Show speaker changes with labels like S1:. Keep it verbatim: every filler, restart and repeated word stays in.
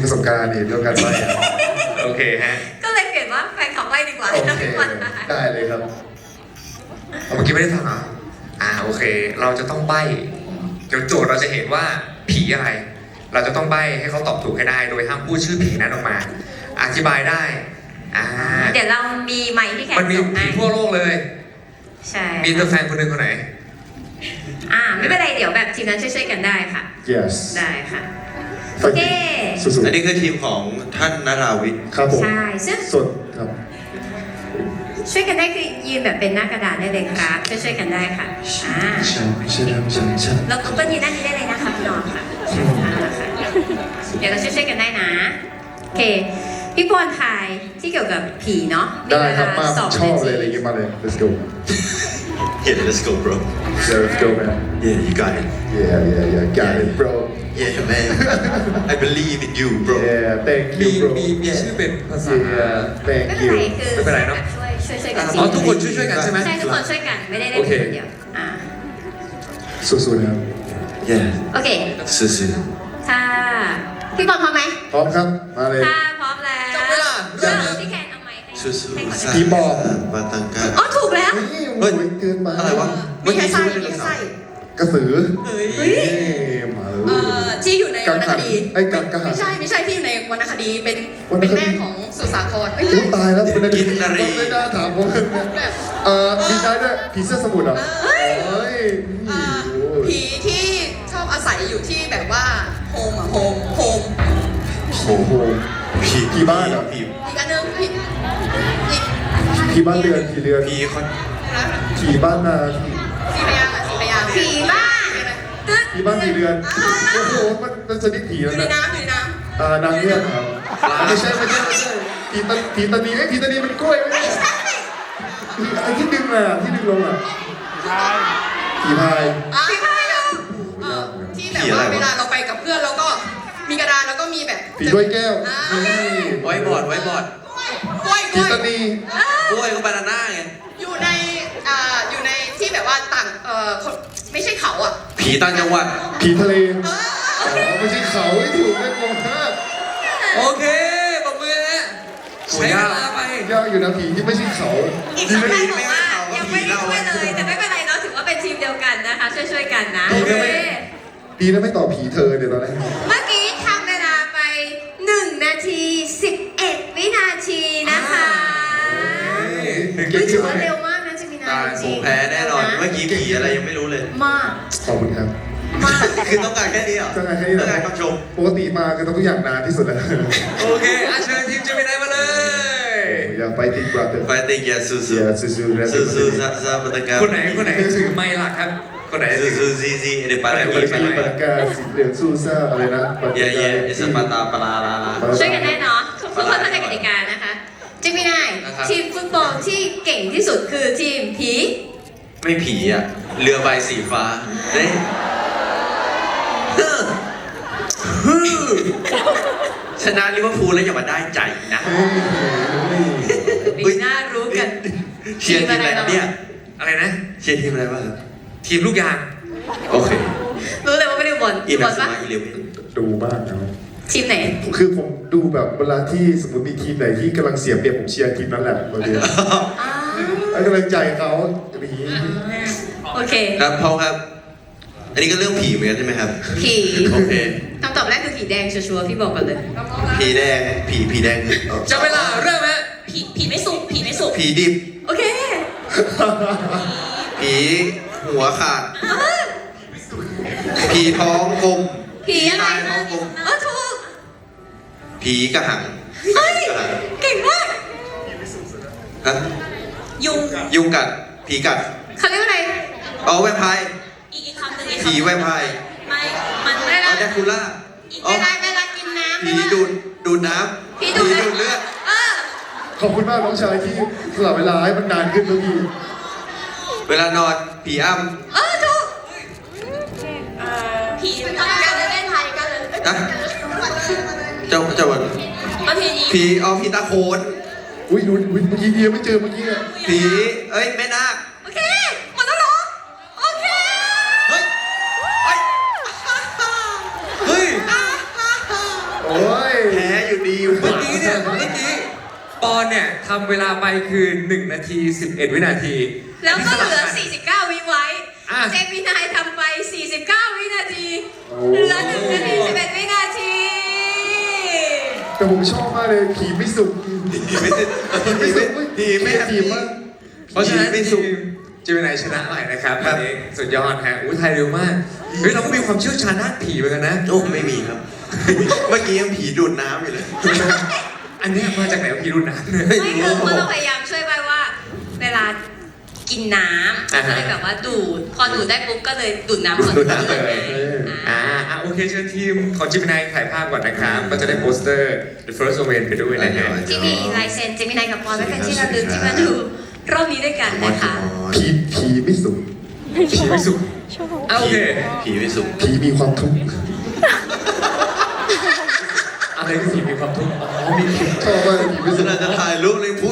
S1: ประสบการณ์นี่เรื่องการใบ้
S2: โอเคฮะ
S3: ก็เลยเปลี่ยนว่าแฟนขับไล่ดีกว่า
S1: โอ
S3: ถ้า
S1: เค
S3: พี่บอลได้
S1: ได้เลยครับ
S2: เมื่อกี้ไม่ได้ฟังเหรออ่าโอเค เราจะต้องใบ้เดี๋ยวโจทย์เราจะเห็นว่าผีอะไร เราจะต้องใบ้ให้เขาตอบถูกให้ได้ โดยห้ามพูดชื่อผีนั้นออกมา อธิบายได้อ่า
S3: เดี๋ยวเรามีไมค์ที่แขก
S2: มันมี
S3: ส่ง
S2: ผี
S3: ให้
S2: ทั่วโลกเลย
S3: ใช่
S2: มีตัวแฟนคนหนึ่งคนไหน
S3: อ่าไม่เป็นไรเดี๋ยวแบบทีมนั้นช่วยๆกันได้ค่ะ
S1: yes
S3: ได้ค่ะ
S1: ไฟ
S3: โอเค
S1: ติสุด
S4: อันนี้คือทีมของท่านนราวิทย์
S1: ๆครับผม
S3: ใช่ซึ่ง
S1: สดครับ
S3: ช่วยกันได้คือยืนแบบเป็นหน้ากระดาษได้เลยครับช่วยๆกันได้ค่ะอ่า
S4: ฉันฉันฉันฉัน
S3: แล้วก็ยืนด้านนี้ได้เลยนะคะพี่น้องค่ะอ่าค่ะเดี๋ยวเราช่วยๆกันได้นะโอเคพี่ปอนทายที่เกี่ยวกับผีเนาะ
S1: ได้ครับมา
S3: สอง
S1: ชอบ
S3: นา
S1: เลยอะไร
S3: ที
S1: อย่างเงี้ยมาเลย let's go
S4: Yeah let's go bro
S1: yeah let's go man
S4: Yeah you got it
S1: yeah yeah yeah got it bro
S4: Yeah man I believe in you bro
S1: yeah thank
S2: มี
S1: you bro
S2: มีมีชื่อเป็นภาษา
S1: yeah thank
S3: ไม่เป็น
S1: you
S3: ไรคือ
S2: ไม่เป็นไรเนอะ
S3: ช่วยช่วยช่วยกัน
S2: อ๋อทุกคนช่วยๆกันใช่ไหม
S3: ใช่ทุกคนช่วยกันไม่ได้เล่น
S2: โอเค
S3: คนเดียวอ่า
S1: สู้ๆนะครับ
S4: Yeah
S3: โอเค
S4: ซื่อ
S3: ถ้าพี่บอลพร้อมไหม
S1: พร้อมครับมาเลย
S3: ถ้าพร้อมแล้ว
S2: จับเวลาเริ่มเลย
S3: พี่แคนเอาไมค์ให้
S4: ๆซื่อๆ
S3: ให้ก่อน
S4: สา
S1: ผีบอก
S4: ปาตังกา
S3: อ๋อถูกแล้ว
S1: เฮ้ยโอ้ยเกินไป
S4: อะไรวะ
S5: มีแค่ไส้มีแค่ไส้
S1: กระสือ
S5: เฮ้ย
S3: เฮ้ย
S1: เอ้มาเล
S5: เอ่
S1: ย
S5: อที่อยู่ใน
S1: กั
S5: ว
S1: ง
S5: รรณ
S1: หั
S5: คน ดี
S1: ไอ้กังกังหั
S5: ไม่
S1: น
S5: ใช่ไม่ใช่ที่อยู่ในวรรณคดีเป็น
S1: วรรณคดี
S5: เป็นแม่ของสุสาครไม่
S1: โอ้
S5: ใช่
S1: ตายแล้วคุณ
S4: กินนารี
S1: ไม่น่าถามผมเลยเนี่ย
S5: แบบ
S1: เอ่อมีได้ด้วยผีเสื้อสมุทรเหรอเฮ้ย
S5: เอ่อ
S1: โอ้ย
S5: ผีที่ชอบอาศัยอยู่ที่แบบว่าโฮมอะโฮมโฮม
S1: โอ้โห
S4: ผี
S1: ผีบ้านเหรอ
S4: ผี
S5: อีกอันหนึงผีอีก
S1: ผีบ้านเรือนผีเรือน
S4: ผีคน
S5: นะ
S1: ผีบ้านนา
S5: สีพยางค์อะสีพยางค์
S3: ผีบ้าน ตึ๊ด
S1: ผีบ้านผีเรือนโอ้โหมันมันชนิดผี
S5: อ
S1: แล้ว
S5: ยู่ใน
S1: นะ
S5: น้ำอยู่ในน้
S1: อ่านางเงือกครับไม่ใช่ไม่ใช่ไม่ใช่ผีตาผีตานีไอ้ยผีตานีมันกล้วยไม่ใช่ผีไอ้ที่ดึงอ่ะที่ดึงลงอ่ะผีพาย
S5: ำอ่ะ
S3: ผีบ้านเหรอ
S5: เอ่อที่แบบว่าเวลาเราไปกับเพื่อนเราก็มีกระดานแล้วก็มีแบบ
S1: ผีด้วยแก้ว
S5: อ่า
S1: นี่
S4: ไว้บอร์ดไว้บอร์ด
S5: กล้วยก
S1: ผี
S5: ล้วย
S1: ตานี
S4: กล้วยก็บานาน่าไง
S5: อยู่ในอ่าอยู่ในที่แบบว่าต่างเอ่อคนไม่ใช่เขาอ่ะ
S4: ผีต่างจังหวัด
S1: ผีทะเล
S5: เออ
S1: อ๋อไม่ใช่เขาไม่ถูกไม่งงมาก
S2: โอเคปรบมือนะใช้เวลาไป
S1: ยากอยู่นะผีที่ไม่ใช่เขา
S3: อีกสองท่านบอกว่ายังไม่ได้ช่วยเลยแต่ไม่เป็นไรเนาะถือว่าเป็นทีมเดียวกันนะคะช่วยๆกันนะโอเค
S1: ดีนะไม่ตอบผีเธอเดี๋ยวตอนแรก
S3: เมื่อกี้ทำเวลาไปหนึ่งนาทีสิบเอ็ดวินาทีนะคะ
S1: หนึ่งเก
S3: เฮ้ย
S1: ม
S3: ถื
S1: ที่
S3: อ
S1: ไห
S3: ว่าน เร็วมากนะจิมินา
S4: ตาย
S3: จ
S4: ผ
S3: ริ
S4: ม
S3: งๆ
S4: แพ้แน่นอน เมื่อกี้ผีอะไรยังไม่รู้เลย
S3: มาก
S1: ขอบคุณครับ
S3: มาก
S4: คือต้องการแค่นี้เหรอ
S1: ต้องการแค่นี้เหรอ
S4: ต้องการคำชม
S1: ปกติมาคือต้องทุกอย่างนานที่สุดแล้ว
S2: โอเคอาเชิญทีมเจมินายมาเลย
S1: อย่าไปติดบราเตอร์
S4: ไฟติงอย่าสู้
S1: เสียซูซู
S4: ๆสู้สู้ซาซาปาตังกา
S2: คนไหนคนไหนถือไมค์หลักครับ คนไหน
S4: สู้สู้ซีซีเดปา
S1: ปา
S4: รา
S1: รา
S4: กี
S1: กี
S4: ปารา
S1: ปารา
S4: กี
S1: กาสีเหลืองสู้ซ่าอะไรนะ
S4: เย่เย่เอสปาตาปาลาลาลา
S3: ช่วยกันได้เนาะทุกคนเข้าใจกติกานะคะจิมินายทีมฟุตบอลที่เก่งที่สุดคือทีมผี
S4: ไม่ผีอ่ะ เรือใบสีฟ้าเฮ้ยชนะลิเวอร์พูลแล้วอย่ามาได้ใจนะ
S3: ปีหน้ารู้กัน
S4: เชียร์ทีมอะไรครับเนี่ย
S2: อะไรนะ
S4: เชียร์ทีมอะไรบ้างครับ
S2: ทีมลูกยาง
S4: โอเค
S3: รู้เลยว่าไม่ได้บอล
S4: อี
S3: บ
S4: นั
S3: อ
S4: ส
S3: ลปะ
S4: มาอีเลเวน
S1: ดูบ้างนะ
S3: ทีมไหน
S1: คือผมดูแบบเวลาที่สมมติมีทีมไหนที่กำลังเสียเปรียบผมเชียร์ทีมนั้นแหละบางที
S3: อ้าว
S1: ให้กำลังใจเขาอย่างนี้
S3: โอเค
S4: ครับพ่อครับ อันนี้ก็เรื่องผีเหมือนกันใช่ไหมครับ
S3: ผี
S4: โอเค
S3: คำตอบแรกคือผีแดงชัวร์ๆพี่บอกกันเลย
S4: ผีแดง ผีผีแดงคือเอา
S2: จะเวลาเริ่มฮะ
S5: ผีผีไม่สุกผีไม่สุก
S4: ผีดิบ
S3: โอเค
S4: ผีหัวขาด ผีท้องกลม
S3: ผีอะไร
S4: ตายท้องกลม
S3: เออถูก
S4: ผีกระหัง
S3: เฮ้ย
S4: กระหัง
S3: เก่งมาก
S4: ฮะ
S5: ยุง
S4: ยุงกัด ผีกัด
S3: เขาเรียกว่าอะไร
S4: เอาแวมไพร์
S5: อีกอีกคำหนึ่งอีก
S4: ผีแวมไพร์
S5: ไม่มันไม่
S4: เอา
S5: ได้
S4: แดคูล่า
S5: อีก
S4: เอา
S5: เวลาเวลากินน้ำ
S4: ผีดูดดูดน้ำ
S3: ผีดูด
S4: เลือด
S3: เออ
S1: ขอบคุณมากน้องชายที่สละเวลาให้มันนานขึ้นทุกที
S4: เวลานอนผีอ้ำ
S3: เออถูก
S5: ผีมันต้องการเล่นไทยกันเลย
S4: นะเจ้าเจ้าวัน
S5: ประเพณี
S4: ผีเอาผีตาโขน
S1: อุ้ยดูอุ้ยเมื่อกี้เดียไม่เจอเมื่อกี้เนี่ย
S4: ผีเอ้ยแม่นาค
S3: โอเคหมดแล้วเหรอโอเค
S4: เฮ้ยเฮ้ยเฮ้ย
S1: โอ้ย
S4: แพ้อยู่ดี
S2: เมื่อกี้เนี่ยเมื่อกี้ปอนเนี่ยทำเวลาไปคือหนึ่งนาทีสิบเอ็ดวินาที
S3: แล้วก็เหลือ
S2: นนี้สลับน
S3: สี่สิบเก้า วิไว้
S2: อ่ะ
S3: เจมินายทำไป สี่สิบเก้า วินาที
S1: โอ้
S3: เหลือหนึ่งนาทีสิบเอ็ด วินาที
S1: แต่ผมชอบมากเลยผีไม่สุก
S4: ผีไม่สุก
S1: ผีไม่สุก
S4: ผีไม่
S1: แฮปปี้มาก
S2: เพราะฉะนั้น
S4: ไม่
S2: ที
S4: สุก
S2: มเจมินายชนะใหม่นะครับ
S4: ครั
S2: วั
S4: บ
S2: นนี้สุดยอดฮะอุ้ยไทยเร็วมากเฮ้ยเราก็มีความเชี่ยวชาญด้านผีเหมือนกันนะ
S4: โอ้ไม่มีครับ เมื่อกี้ยังผีดูดน้ำอยู่เลย
S2: อันเนี้ยมาจากไหนวะพี่รุ่นนะเนี่ย
S3: ไม่คือเขาต้องพยายามช่วยใบว่า เวลากินน้
S2: อ่า
S3: ำ
S2: ฮะ
S3: ก็เลยแบบว่าดูด พอดูดได้ปุ๊บก็เลยดูดน้ำก่อน
S2: ดูดน้ำเลย
S3: อ่า
S2: อ่าอ่ะโอเคเชิญทีมของจิมินายถ่ายภาพก่อนนะครับก็จะได้โปสเตอร์ The First Omen ไปด้วยนะฮะ
S3: ที่มีลายเซ็นเจมินายกับปอนไว้เป็นที่ระลึกที่มาดูรอบนี้ด้วยกันนะคะ
S1: ผีผีไม่สุก
S2: ผีไม่สุกอ่ะโอเค
S4: ผีไม่สุก
S1: ผีมีความทุกข์
S2: อะไรคือผีมีความทุกข์อ๋อมีผี
S1: ชอบมากผีไม่
S4: ข
S1: สุก
S4: นาดจะถ่ายรูปเลยผ